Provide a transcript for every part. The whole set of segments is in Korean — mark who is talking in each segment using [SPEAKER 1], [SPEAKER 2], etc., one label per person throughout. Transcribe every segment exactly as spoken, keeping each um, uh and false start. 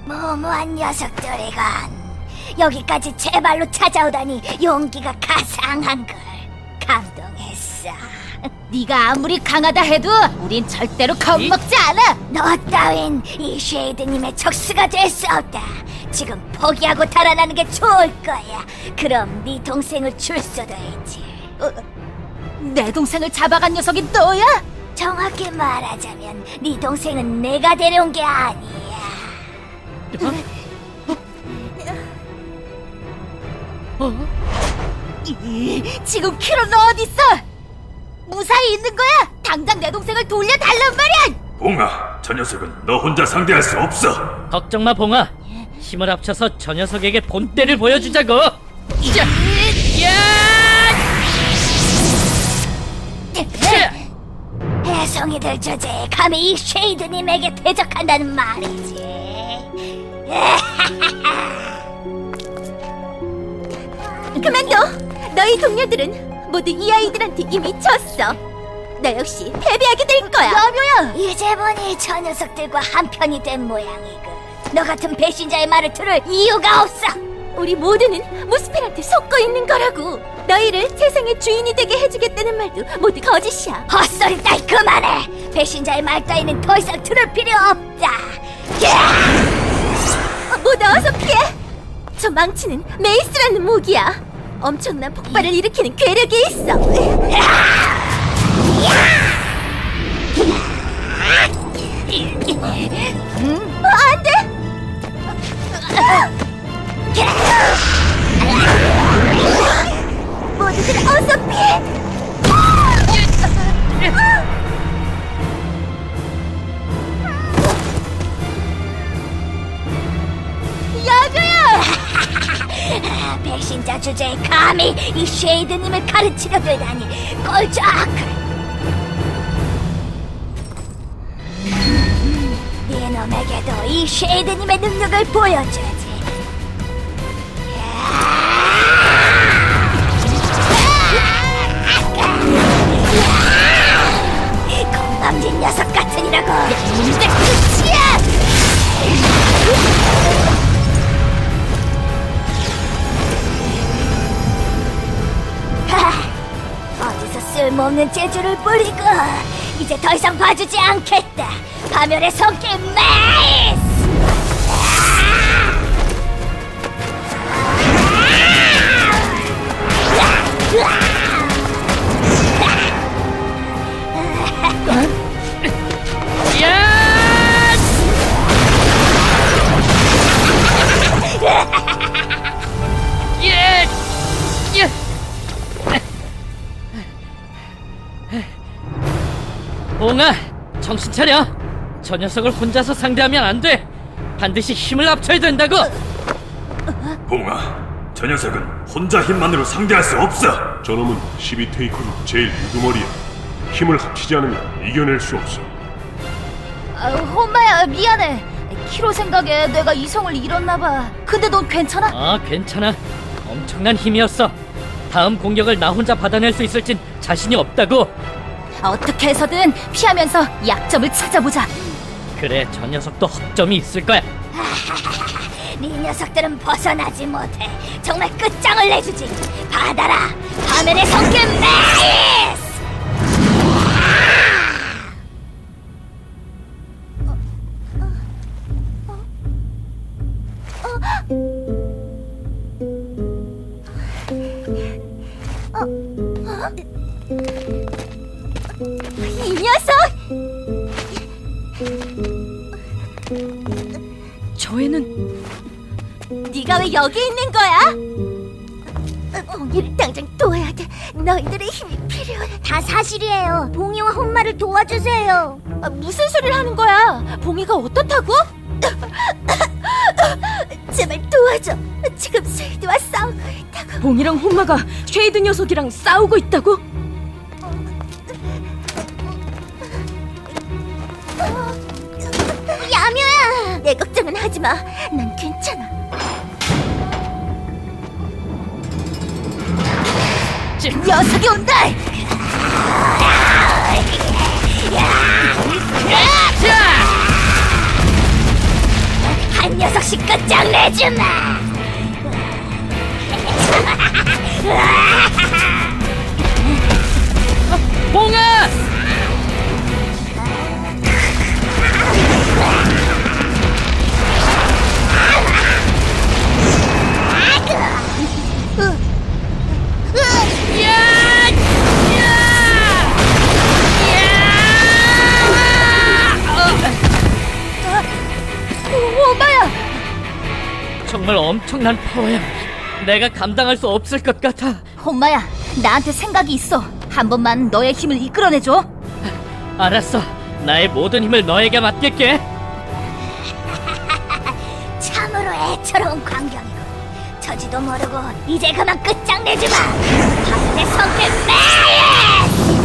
[SPEAKER 1] 무모한 녀석들이건 여기까지 제 발로 찾아오다니 용기가 가상한걸. 감동했어.
[SPEAKER 2] 네가 아무리 강하다 해도 우린 절대로 겁먹지 않아.
[SPEAKER 1] 너 따윈 이 쉐이드님의 적수가 될 수 없다. 지금 포기하고 달아나는 게 좋을 거야. 그럼 네 동생을 줄 수도 있지.
[SPEAKER 2] 어, 내 동생을 잡아간 녀석이 너야?
[SPEAKER 1] 정확히 말하자면 네 동생은 내가 데려온 게 아니야.
[SPEAKER 2] 이, 지금 키로 너 어딨어? 무사히 있는 거야? 당장 내 동생을 돌려달란 말이야!
[SPEAKER 3] 봉아, 저 녀석은 너 혼자 상대할 수 없어.
[SPEAKER 4] 걱정 마, 봉아. 힘을 합쳐서 저 녀석에게 본때를 보여주자고. 야! 야!
[SPEAKER 1] 해성이들 주제에 감히 이 쉐이드님에게 대적한다는 말이지.
[SPEAKER 2] 그만둬! 너희 동료들은 모두 이 아이들한테 이미 졌어. 너 역시 패배하게 될 거야. 야묘야!
[SPEAKER 1] 이제 보니 저 녀석들과 한편이 된 모양이군. 너 같은 배신자의 말을 들을 이유가 없어.
[SPEAKER 2] 우리 모두는 무스펠한테 속고 있는 거라고. 너희를 세상의 주인이 되게 해주겠다는 말도 모두 거짓이야.
[SPEAKER 1] 헛소리 따위 그만해. 배신자의 말 따위는 더 이상 들을 필요 없다.
[SPEAKER 2] 어, 모두 어서 피해! 저 망치는 메이스라는 무기야. 엄청난 폭발을 일으키는 괴력이 있어. 음, 어, 안 돼! 모두들 어서 피해! 야교야!
[SPEAKER 1] 배신자 주제에 감히 이 쉐이드님을 가르치려 들다니 꼴짝을. 네 놈에게도 이 쉐이드님의 능력을 보여주지. 건방진 녀석 같으니라고.
[SPEAKER 2] 문제 끝이야!
[SPEAKER 1] 하, 어디서 쓸모없는 재주를 부리고 이제 더 이상 봐주지 않겠다. 파멸의 손길 메이스!
[SPEAKER 4] 예! 예! 봉아, 정신 차려. 저 녀석을 혼자서 상대하면 안 돼. 반드시 힘을 합쳐야 된다고.
[SPEAKER 3] 봉아, 저 녀석은 혼자 힘만으로 상대할 수 없어.
[SPEAKER 5] 저놈은 십이 테이커 중 제일 유두머리야. 힘을 합치지 않으면 이겨낼 수 없어.
[SPEAKER 2] 아, 혼마야 미안해. 키로 생각에 내가 이성을 잃었나 봐. 근데 넌 괜찮아?
[SPEAKER 4] 아, 괜찮아. 엄청난 힘이었어. 다음 공격을 나 혼자 받아낼 수 있을진 자신이 없다고.
[SPEAKER 2] 어떻게 해서든 피하면서 약점을 찾아보자.
[SPEAKER 4] 그래, 저 녀석도 허점이 있을 거야.
[SPEAKER 1] 네 녀석들은 벗어나지 못해. 정말 끝장을 내주지. 받아라, 파멸의 손길 메이스!
[SPEAKER 2] 이 녀석!
[SPEAKER 6] 저 애는
[SPEAKER 2] 네가 왜 여기 있는 거야? 봉이를 당장 도와야 돼. 너희들의 힘이 필요해.
[SPEAKER 1] 다 사실이에요. 봉이와 혼마를 도와주세요.
[SPEAKER 2] 아, 무슨 소리를 하는 거야? 봉이가 어떻다고? 제발 도와줘. 지금 쉐이드와 싸우고 있다고.
[SPEAKER 6] 봉이랑 혼마가 쉐이드 녀석이랑 싸우고 있다고?
[SPEAKER 2] 야묘야! 내 걱정은 하지 마. 난 괜찮아. 녀석이 온다!
[SPEAKER 1] 한 녀석씩 끝장내주마!
[SPEAKER 4] 봉아!
[SPEAKER 2] 오마야!
[SPEAKER 4] 정말 엄청난 파워야. 내가 감당할 수 없을 것 같아.
[SPEAKER 2] 엄마야, 나한테 생각이 있어. 한 번만 너의 힘을 이끌어내줘.
[SPEAKER 4] 알았어. 나의 모든 힘을 너에게 맡길게.
[SPEAKER 1] 참으로 애처로운 광경이고 저지도 모르고 이제 그만 끝장내주마! 하늘의 성패 매일!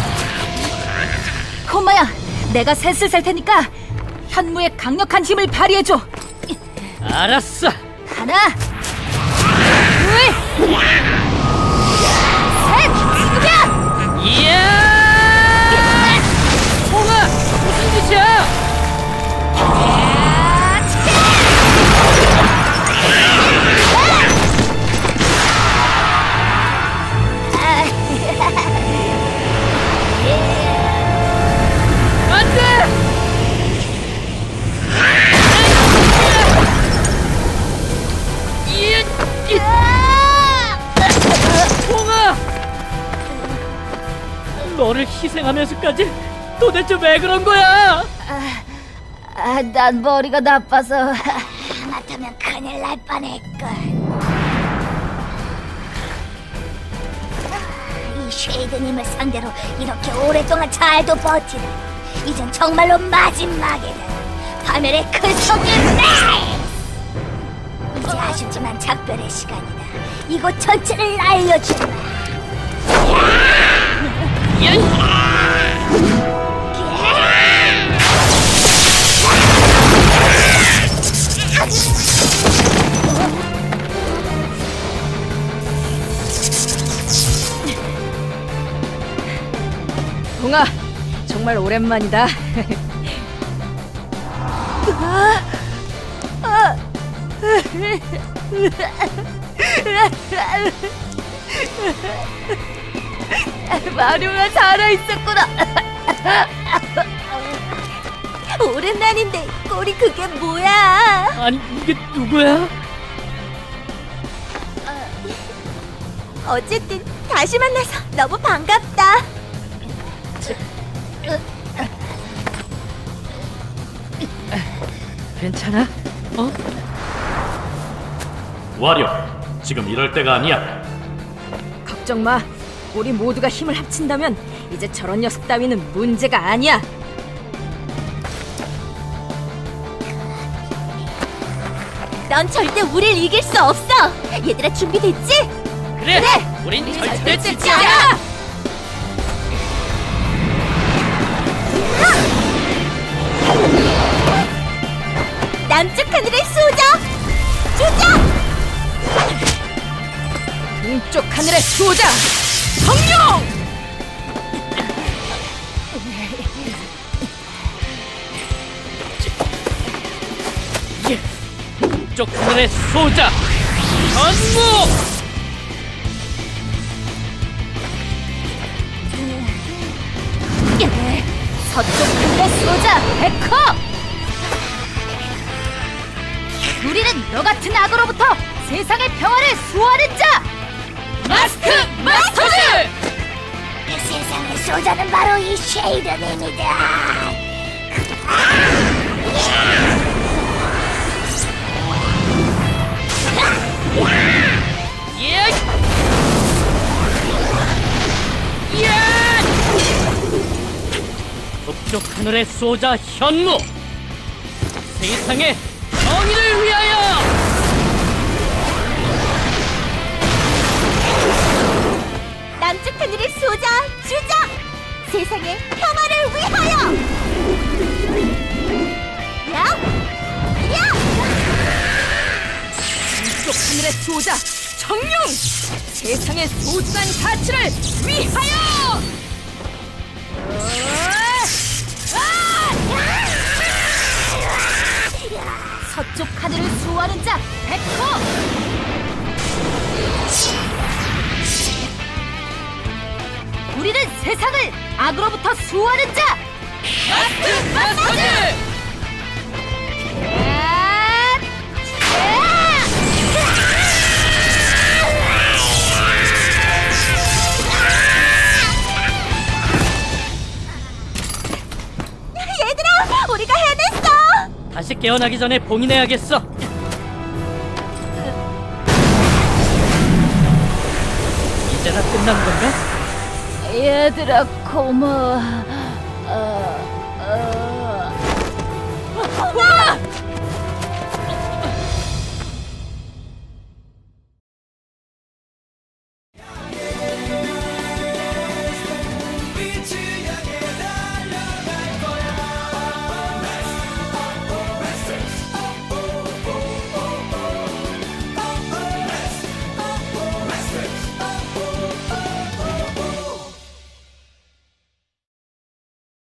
[SPEAKER 2] 엄마야, 내가 셋을 셀 테니까 현무의 강력한 힘을 발휘해줘.
[SPEAKER 4] 알았어.
[SPEAKER 2] 하나, 둘, 셋! 지금이야!
[SPEAKER 4] 이야! 봉아! 무슨 짓이야? 안 돼! 이야! 봉아! 너를 희생하면서까지 도대체 왜 그런 거야?
[SPEAKER 2] 아, 난 머리가 나빠서.
[SPEAKER 1] 하마터면 큰일 날 뻔했걸. 이 쉐이드님을 상대로 이렇게 오랫동안 잘도 버티다. 이젠 정말로 마지막이다. 파멸의 큰 성의 레이스! 이제 아쉽지만 작별의 시간이다. 이곳 전체를 날려주마.
[SPEAKER 6] 봉아, 정말 오랜만이다.
[SPEAKER 2] 마룡아 살아있었구나. 오랜만인데 꼴이 그게 뭐야?
[SPEAKER 4] 아니 이게 누구야?
[SPEAKER 2] 어쨌든 다시 만나서 너무 반갑다.
[SPEAKER 4] 괜찮아? 어?
[SPEAKER 3] 와려, 지금 이럴 때가 아니야.
[SPEAKER 6] 걱정 마. 우리 모두가 힘을 합친다면 이제 저런 녀석 따위는 문제가 아니야.
[SPEAKER 2] 넌 절대 우릴 이길 수 없어. 얘들아 준비됐지?
[SPEAKER 4] 그래! 우린 절대 지지
[SPEAKER 2] 지
[SPEAKER 4] 않아!
[SPEAKER 2] 않아. 남쪽 하늘의 수호자 주자.
[SPEAKER 6] 동쪽 하늘의 수호자 성룡!
[SPEAKER 4] 북쪽 하늘의 소자 전무!
[SPEAKER 2] 서쪽 하늘의 수호자 백허. 우리는 너 같은 악어로부터 세상의 평화를 수호하는 자
[SPEAKER 4] 마스크 마스터즈!
[SPEAKER 1] 그 세상의 소자는 바로 이 쉐이드님이다.
[SPEAKER 4] 예! 예! 북쪽 하늘의 소자 현무! 세상의 정의를 위하여!
[SPEAKER 2] 남쪽 하늘의 수호자 주자 세상의 평화를 위하여. 야! 야!
[SPEAKER 6] 동쪽 하늘의 수호자 정룡! 세상의 소중한 가치를 위하여!
[SPEAKER 2] 서쪽 하늘을 수호하는 자 백호! 우리는 세상을 악으로부터 수호하는 자
[SPEAKER 4] 마스터 마스터즈!
[SPEAKER 2] 얘들아, 우리가 해냈어!
[SPEAKER 4] 다시 깨어나기 전에 봉인해야겠어. 이제나 끝난 건가?
[SPEAKER 2] 얘들아, 고마워.